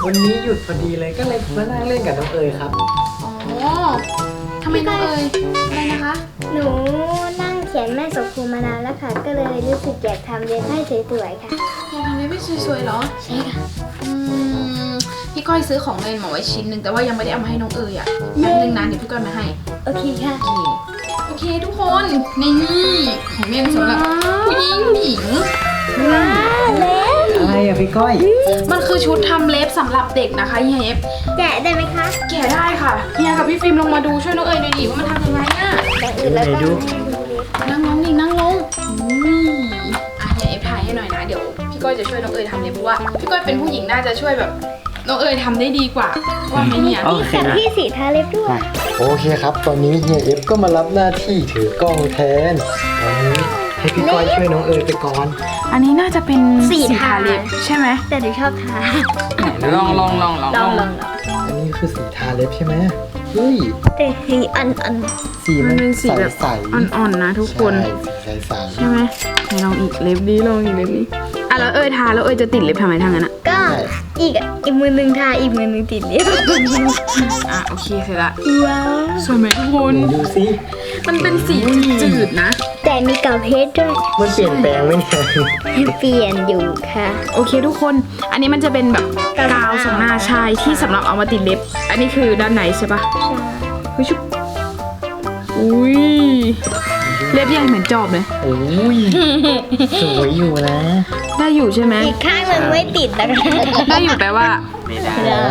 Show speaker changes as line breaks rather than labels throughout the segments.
วันนี้หยุดพอดีเลยก็เลยมานั่งเล่นกับน้องเอ๋ยครับ
อ๋อทำไมน้องเอ๋ยอะไรนะคะ
หนูนั่งเขียนแม่สมครูมานานแล้วค่ะ ก็เลยรู้สึกอยากทำเรียนให้สวยๆค่ะ
อยากทำเล็บไม่สวยๆเหรอ
ใช่ค่ะ
พี่ก้อยซื้อของเล่นมาไว้ชิ้นหนึ่งแต่ว่ายังไม่ได้เอามาให้น้องเอ๋ยอ่ะแป๊บนึงนะเดี๋ยวพี่ก้อยมาให้
โอเคค่ะ
โอเคทุกคนในนี่ของเล่นสำหรับผู้หญิง
ว้าวเล็บ
อะไรอ่ะพี่ก้อย
มันคือชุดทำเล็บสำหรับเด็กนะคะเฮียเอฟ
แกะได้ไหมคะ
แกะได้ค่ะเฮียกับพี่ฟิล์มลงมาดูช่วยน้องเอ๋ยหน่อยดิว่ามันทำยังไงอ่ะ
อย่างอื่นแล้วก็
ไหนดู
นั่งลงดินั่งลงเฮียเอฟถ่ายให้หน่อยนะเดี๋ยวพี่ก้อยจะช่วยน้องเอ๋ยทำเล็บเพราะว่าพี่ก้อยเป็นผู้หญิงน่าจะช่วยแบบน้องเอ๋ยทำได้ดีกว่าว่าไหมเนี่ย
โอ
มี
เค
แผ่นที่สีทาเล็บด้วย
โอเคครับ ตอนนี้เฮียเอฟก็มารับหน้าที่ถือกล้องแทนตอนนี้ให้พี่ก้อยช่วยน้องเอ๋ยไปก่อน
อันนี้น่าจะเป็น
สีทา
เล็บใช่ไหม
แต่หนูชอบทา
ลอง
ลอง
อันนี้คือสีทาเล็บใช่ไหมเฮ้ย
แต่สีอัน
สี
มั
มัน น
เป็นสีแบบ
ใสๆ
อ่อนๆนะทุกคน
ใช่สีใส
ใช่ไหมไหนลองอีกเล็บนี้ลองอีกเล็บนี้อ่ะแล้วเอ้ยทาแล้วเอ้ยจะติดเล็บทำไมทางนั้นอ่ะ
ก็อีกมือหนึ่งทาอีกมือหนึ่งติดเล็บ
อ่ะโอเคเสร็จละ
ว้าว
สวยไหมทุกคน
ๆดูสิ
มันเป็นสีจืดๆนะ
แต่มีกาวเพชรด้วย
มันเปลี่ยนแปลงไหมเนี่ย
เปลี่ยนอยู่ค่ะ
โอเคทุกคน อันนี้มันจะเป็นแบบกาวสองหน้าชายที่สำหรับเอามาติดเล็บ อันนี้คือด้านในใช่ปะเฮ้ยชุบอุ้ยเล็บยังเหมือนจอบเลย
โอ้ยสวยอยู่นะ
ได้อยู่ใช่ไหม
อีกข้างหนึ่งไม่ติดนะคะ
ได้อยู่แปลว่า
ไม่ได้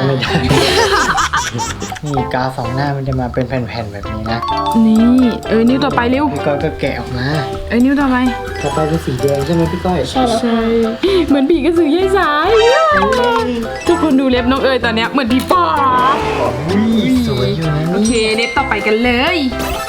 นี่กาวสองหน้ามันจะมาเป็นแผ่นๆแบบนี้นะ
นี่นิ้วต่อไปเร็ว
พี่ก้อยก็แกะออกมา
นิ้วต่อไป
ต่อไปเป็นสีแดงใช่ไหมพี่ก้อย
ใช่แล้ว
ใช่ เหมือนผีกระสือยายสายทุกคนดูเล็บน้องเอ๋ยตอนเนี้ยเหมือนผีปอบ
อุ้ยสวยอยู่นะ
โอ
นี่
เคเล็บต่อไปกันเลย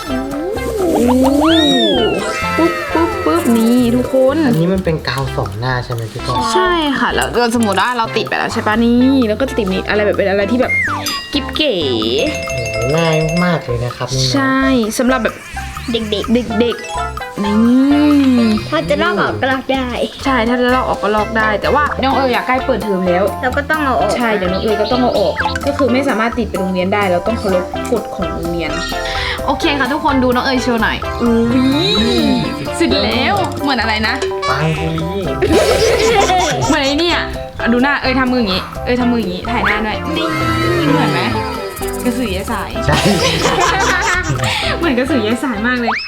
ปุ๊บปุ๊บปุ๊บนี่ทุกคน
อันนี้มันเป็นกาวสองหน้าใช่ไหมพี่ก้อย
ใช่ค่ะแล้วสมมติว่าเราติดไปแล้วใช่ปะนี่แล้วก็จะติดนี่อะไรแบบเป็นอะไรที่แบบกิ๊บเก๋
โอ้ง่ายมากเลยนะครับนี่นะ
ใช่สำหรับแบบ
เด็ก
เด็กๆนี่
ๆ พอจะลอกออกก็ลอกได้
ใช่ถ้าจะลอกออกก็ลอกได้ แต่ว่าน้องเอ๋ยอยากใกล้เปิดเทอมแล้ว
เราก็ต้องเอาออก
ใช่เดี๋ยวน้องเอ๋ยก็ต้องเอาออก ก็คือไม่สามารถติดไปโรงเรียนได้เราต้องเคารพกฎของโรงเรียน โอเคค่ะทุกคนดูน้องเอ๋ยโชว์หน่อยอุ้ยเสร็จแล้วเหมือนอะไรนะ
ปังบุรี
เหมือนไอ้เนี่ยดูหน้าเอ๋ยทำมืออย่างงี้เอ๋ยทำมืออย่างงี้ถ่ายหน้าหน่อยนี่เหมือนไหมกระสือยายสาย
ใช่
เหมือนกระสือยายสายมากเลย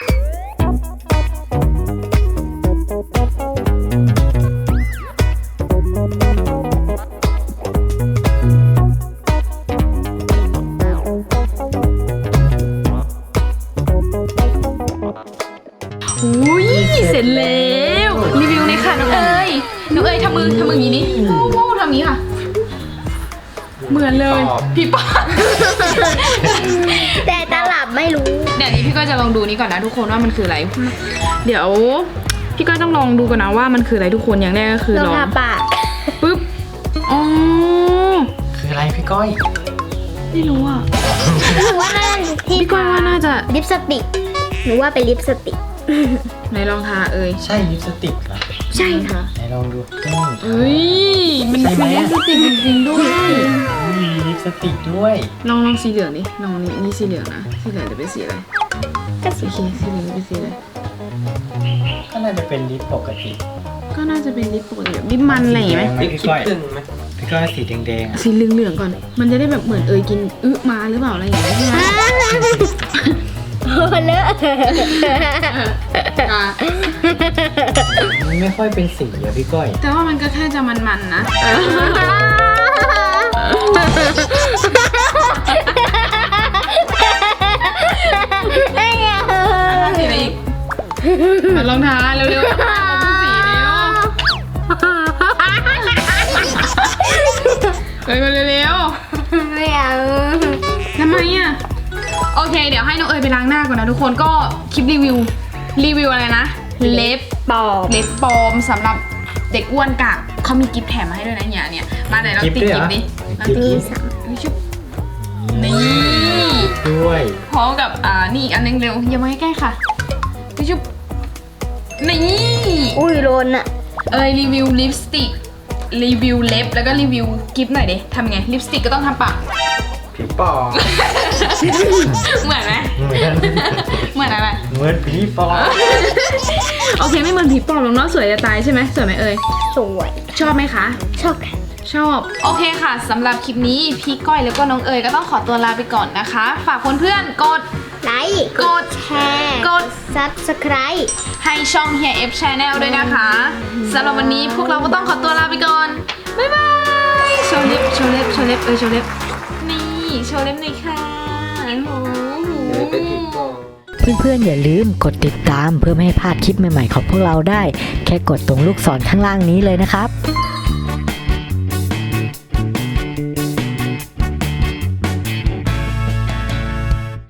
อุ้ยเสร็จแล้วรีวิวในอยค่ะน้องเอ๋ยน้องเอ๋ยทำมืออย่างนี้นี่โม่ทำอย่างนี้ค่ะ เหมือนเลยพี่ป๊า
แต่ตลับไม่รู้
เดี๋ยวนี้พี่ก็จะลองดูนี้ก่อนนะทุกคนว่ามันคืออะไร เดี๋ยวพี่ก็ต้องลองดูก่อนนะว่ามันคืออะไรทุกคนอย่างแรกก็คือ
ล
ล
อ
อง ง
ทาปาก
ปึ๊บอ๋อ
คืออะไรพี่ก้อย
ไม่รู้อ่ะ
หนูว่าน่าที่
พี่ก็ว่าน่าจะ
ลิปสติกหนูว่าเป็นลิปสติก
ไหนลองทาเอ่ย
ใช่ลิปสติกเหรอ
ใช่ค่ะ
ไหนลองดู
เอ้ยมัน
ใช่ไหม
คือลิปสติกจริงๆด้วย
มีลิปสติกด้วย
ลองสีเหลืองดิลองนี่สีเหลืองนะสีเหลืองจะเป็นสีอะไร
ก็สี
โอเคสีเหลืองจะเป็นสีอะไร
ก็น่าจะเป็นลิปปกติ
ก็น่าจะเป็นลิปปกติแบบลิปมันอะไรอย่างเงี้ยไหม
พี่ก้อยพี่ก้อยสีแดงๆอ่ะ
สีเหลืองๆก่อน มันจะได้แบบเหมือนเอ่ยกินมาหรือเปล่าอะไรอย่างเงี้ยใช่ไหม
โอ้เลอะ
อ่ะ
มันไม่ค่อยเป็นสีอะพี่ก้อย
แต่ว่ามันก็แค่จะมันๆนะสีอะไรอีกมันลองทาเร็วๆมาทุกสีเร็วมาเร็ว
ไม่เอา
ๆทำไมอ่ะโอเค เดี๋ยวให้น้องเอ๋ยไปล้างหน้าก่อนนะทุกคนก็คลิปรีวิวอะไรนะเล็บ
ปอบ
เล็บปลอมสำหรับเด็กอ้วนกะเขามีกิฟต์แถมมาให้ด้วยนะเนี่ยมาไหนเราติดกิฟต์ดิเราติดกิฟต์ชุบนี่
ด้วย
พร้อมกับนี่อีกอันนึงเร็วอย่ามาใกล้ๆค่ะชุบนี่
อุ้ยโรนอะ
เอยรีวิวลิปสติกรีวิวเล็บแล้วก็รีวิวกิฟต์หน่อยดิทำไงลิปสติกก็ต้องทำปาก
ผีปอบ
เหมือนไหม
เหมือน
เหมือนอะไร
เหมือนผีปอบ
โอเคไม่เหมือนผีปอบหรอกเนาะสวยจะตายใช่ไหมสวยไหมเอ่ย
สวย
ชอบไหมคะ
ชอบค่ะ
ชอบ โอเคค่ะสำหรับคลิปนี้พี่ก้อยแล้วก็น้องเอ๋ยก็ต้องขอตัวลาไปก่อนนะคะ ฝากเพื่อนๆกด
ไลค์
กด
แชร์
กด
Subscribe
ให้ช่อง Here F Channel ด้วยนะคะสำหรับวันนี้พวกเราก็ต้องขอตัวลาไปก่อน บ๊ายบายโชว์เล็บโชว์เล็บโชว์เล็บโชว์เล็บนี่โชว์เล็บหน่อยค่ะโอ้โห
เป็นผีปอบ
เพื่อนๆอย่าลืมกดติดตามเพื่อไม่ให้พลาดคลิปใหม่ๆของพวกเราได้ แค่กดตรงลูกศรข้างล่างนี้เลยนะครับ